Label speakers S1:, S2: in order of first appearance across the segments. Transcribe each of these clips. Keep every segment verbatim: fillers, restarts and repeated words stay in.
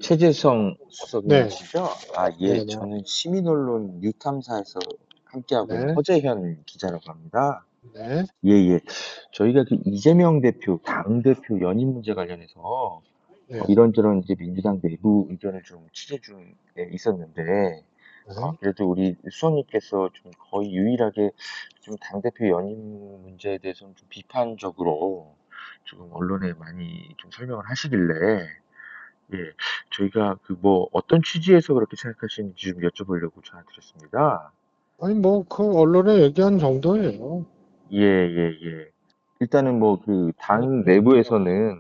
S1: 최재성
S2: 네,
S1: 수석님이시죠? 아, 예,
S2: 네, 네,
S1: 저는 시민언론 뉴탐사에서 함께하고 있는
S2: 네,
S1: 허재현 기자라고 합니다.
S2: 네,
S1: 예, 예. 저희가 그 이재명 대표, 당대표 연임 문제 관련해서
S2: 네,
S1: 어, 이런저런 이제 민주당 내부 의견을 좀 취재 중에 있었는데, 어,
S2: 네.
S1: 그래도 우리 수석님께서 좀 거의 유일하게 좀 당대표 연임 문제에 대해서는 좀 비판적으로 지금 언론에 많이 좀 설명을 하시길래, 예, 저희가 그 뭐 어떤 취지에서 그렇게 생각하시는지 좀 여쭤보려고 전화드렸습니다.
S2: 아니, 뭐, 그, 언론에 얘기한 정도예요.
S1: 예, 예, 예. 일단은 뭐 그 당 내부에서는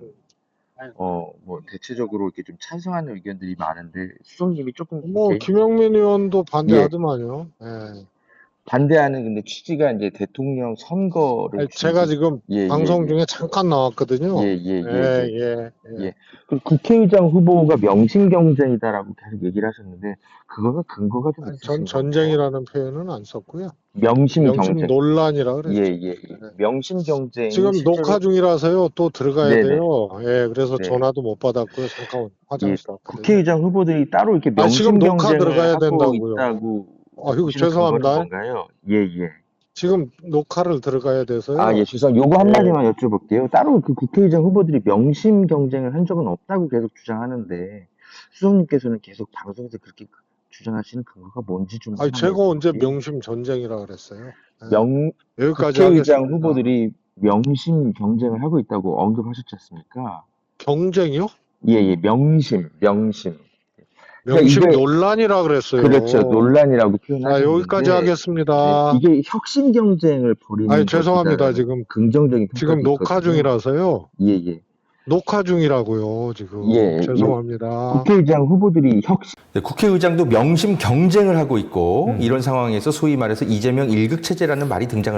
S1: 어 뭐 대체적으로 이렇게 좀 찬성하는 의견들이 많은데 수석님이 조금 그
S2: 뭐,
S1: 개인
S2: 김영민 의원도
S1: 예
S2: 반대하더만요. 예.
S1: 반대하는 근데 취지가 이제 대통령 선거를
S2: 아니,
S1: 혹시
S2: 제가
S1: 이제
S2: 지금
S1: 예, 예,
S2: 방송
S1: 예.
S2: 중에 잠깐
S1: 예,
S2: 나왔거든요.
S1: 예,
S2: 예,
S1: 예, 예.
S2: 예, 예.
S1: 예. 그 국회의장 후보가 명심 경쟁이다라고 계속 얘기를 하셨는데 그거는 근거가 좀
S2: 아니, 전
S1: 있으신 건가요?
S2: 전쟁이라는 표현은 안 썼고요.
S1: 명심
S2: 명심
S1: 경쟁.
S2: 논란이라
S1: 예,
S2: 그랬죠.
S1: 예, 예.
S2: 예.
S1: 명심 경쟁이
S2: 지금 녹화
S1: 실제로
S2: 중이라서요. 또 들어가야
S1: 네네.
S2: 돼요. 예, 그래서
S1: 네.
S2: 전화도 못 받았고요. 잠깐
S1: 예,
S2: 화장실 왔거든요.
S1: 국회의장 후보들이 따로 이렇게
S2: 아, 지금
S1: 명심
S2: 녹화
S1: 경쟁을
S2: 들어가야
S1: 하고
S2: 된다고요.
S1: 있다고
S2: 아이고,
S1: 보시는 근거는
S2: 죄송합니다.
S1: 뭔가요? 예, 예.
S2: 지금 녹화를 들어가야
S1: 아, 예,
S2: 돼서요.
S1: 주상 요거
S2: 예.
S1: 한마디만 여쭤볼게요. 따로 그 국회의장 후보들이 명심 경쟁을 한 적은 없다고 계속 주장하는데 수석님께서는 계속 방송에서 그렇게 주장하시는 근거가 뭔지 좀
S2: 아니,
S1: 하나만
S2: 제가 언제
S1: 여쭤볼게요.
S2: 명심 전쟁이라 그랬어요. 예.
S1: 명,
S2: 여기까지
S1: 국회의장
S2: 하겠습니다.
S1: 후보들이 명심 경쟁을 하고 있다고 언급하셨지 않습니까?
S2: 경쟁이요?
S1: 예, 예, 명심, 명심. 그러니까
S2: 명심
S1: 이게
S2: 논란이라
S1: 그렇죠.
S2: 그랬어요.
S1: 논란이라고
S2: 자, 여기까지
S1: 표현하셨는데, 네,
S2: 하겠습니다.
S1: 이게 혁신 경쟁을
S2: 아니,
S1: 벌이는
S2: 죄송합니다.
S1: 것이다라는
S2: 지금,
S1: 긍정적인
S2: 지금
S1: 평가도
S2: 녹화
S1: 있거든요.
S2: 중이라서요.
S1: 예, 예.
S2: 녹화 중이라고요, 지금.
S1: 예, 예.
S2: 죄송합니다.
S1: 국회의장 후보들이 혁신,
S3: 네, 국회의장도 명심 경쟁을 하고 있고
S4: 음.
S3: 이런 상황에서 소위 말해서 이재명 일극 체제라는 말이 등장을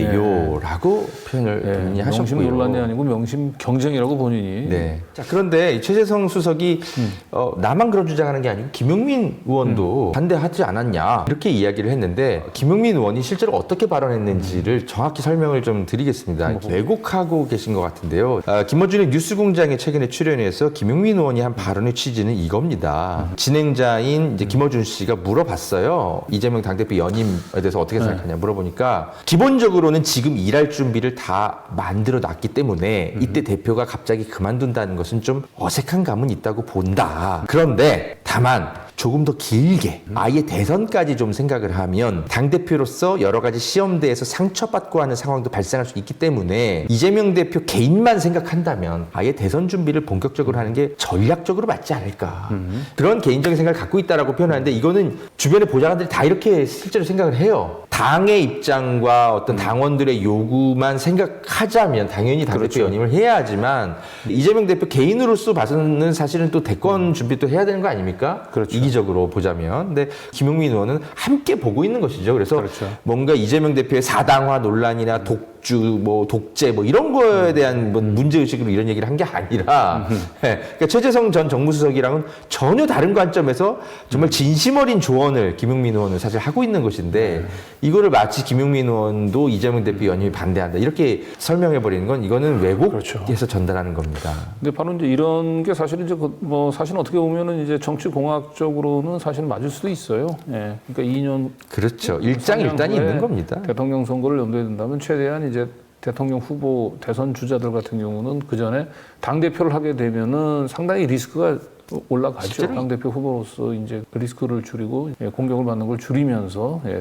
S3: 했는데요라고 표현을
S4: 예,
S3: 본인이
S4: 명심
S3: 하셨고요.
S4: 논란이 아니고 명심 경쟁이라고 본인이.
S3: 네. 자, 그런데 이 최재성 수석이
S4: 음.
S3: 어, 나만 그런 주장하는 게 아니고 김용민 의원도 반대하지 않았냐 이렇게 이야기를 했는데 김용민 의원이 실제로 어떻게 발언했는지를 정확히 설명을 좀 드리겠습니다.
S4: 음.
S3: 왜곡하고 계신 것 같은데요. 아, 김어준의 뉴스공장에 최근에 출연해서 김용민 의원이 한 발언의 취지는 이겁니다.
S4: 음.
S3: 진행자인 이제 김어준 씨가 물어봤어요. 이재명 당대표 연임에 대해서 어떻게 생각하냐 물어보니까 기본적으로는 지금 일할 준비를 다 만들어 놨기 때문에 이때 대표가 갑자기 그만둔다는 것은 좀 어색한 감은 있다고 본다. 그런데 다만 조금 더 길게 아예 대선까지 좀 생각을 하면 당대표로서 여러 가지 시험대에서 상처받고 하는 상황도 발생할 수 있기 때문에 이재명 대표 개인만 생각한다면 아예 대선 준비를 본격적으로 하는 게 전략적으로 맞지 않을까. 음. 그런 개인적인 생각을 갖고 있다라고 표현하는데 이거는 주변의 보좌관들이 다 이렇게 실제로 생각을 해요. 당의 입장과 어떤 당원들의 요구만 생각하자면 당연히 당대표
S4: 그렇죠.
S3: 연임을 해야 하지만 이재명 대표 개인으로서 봐서는 사실은 또 대권 준비도 해야 되는 거 아닙니까?
S4: 그렇죠.
S3: 이기적으로 보자면. 근데 김용민 의원은 함께 보고 있는 것이죠. 그래서
S4: 그렇죠.
S3: 뭔가 이재명 대표의 사당화 논란이나 독주, 뭐 독재, 뭐 이런 거에 대한 뭐 문제의식으로 이런 얘기를 한 게 아니라, 네. 그러니까 최재성 전 정무수석이랑은 전혀 다른 관점에서 정말 진심 어린 조언을 김용민 의원은 사실 하고 있는 것인데, 이거를 마치 김용민 의원도 이재명 대표 연임이 반대한다. 이렇게 설명해버리는 건 이거는 왜곡해서
S4: 그렇죠.
S3: 전달하는 겁니다.
S4: 근데 바로 이제 이런 게 사실은 이제 그 뭐 사실 어떻게 보면은 이제 정치 공학적으로는 사실 맞을 수도 있어요. 예. 그러니까 이 년
S3: 그렇죠. 일장일단이
S4: 후에
S3: 있는 겁니다.
S4: 대통령 선거를 염두에 둔다면 최대한 이제 대통령 후보 대선 주자들 같은 경우는 그 전에 당 대표를 하게 되면은 상당히 리스크가 올라가죠.
S3: 실제로?
S4: 당 대표 후보로서 이제 리스크를 줄이고 예, 공격을 받는 걸 줄이면서 예,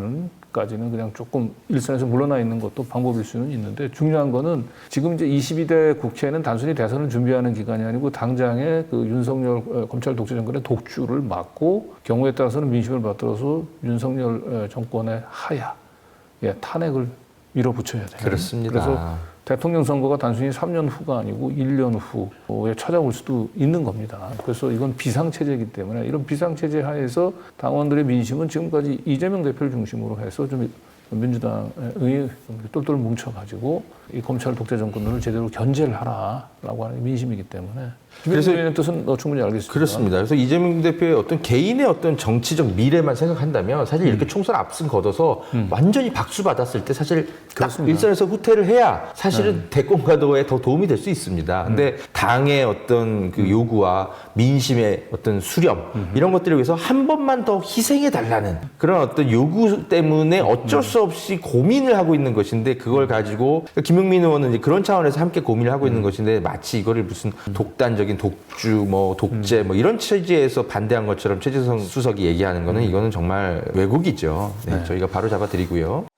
S4: 대선까지는 그냥 조금 일선에서 물러나 있는 것도 방법일 수는 있는데 중요한 거는 지금 이제 이십이 대 국회는 단순히 대선을 준비하는 기간이 아니고 당장의 그 윤석열 어, 검찰 독재 정권의 독주를 막고 경우에 따라서는 민심을 받들어서 윤석열 어, 정권의 하야, 예, 탄핵을 밀어붙여야 돼요.
S3: 그렇습니다.
S4: 그래서 대통령 선거가 단순히 삼 년 후가 아니고 일 년 후에 찾아올 수도 있는 겁니다. 그래서 이건 비상체제이기 때문에 이런 비상체제 하에서 당원들의 민심은 지금까지 이재명 대표를 중심으로 해서 좀 민주당의 똘똘 뭉쳐가지고 이 검찰 독재 정권을 제대로 견제를 하라라고 하는 게 민심이기 때문에
S3: 그래서-
S4: 그래서 뜻은 어, 충분히 알겠습니다.
S3: 그렇습니다. 그래서 이재명 대표의 어떤 개인의 어떤 정치적 미래만 생각한다면 사실 이렇게 총선 앞선 걷어서 완전히 박수 받았을 때 사실 딱
S4: 그렇습니다.
S3: 일선에서 후퇴를 해야 사실은 대권 가도에 더 도움이 될 수 있습니다. 근데 당의 어떤 그 요구와 민심의 어떤 수렴 이런 것들을 위해서 한 번만 더 희생해 달라는 그런 어떤 요구 때문에 어쩔 수 없이 고민을 하고 있는 것인데 그걸 가지고 김용민 의원은 이제 그런 차원에서 함께 고민을 하고 있는 것인데 마치 이거를 무슨 독단적인 독주 뭐 독재 뭐 이런 취지에서 반대한 것처럼 최재성 수석이 얘기하는 거는 이거는 정말 왜곡이죠. 네, 저희가 바로 잡아드리고요.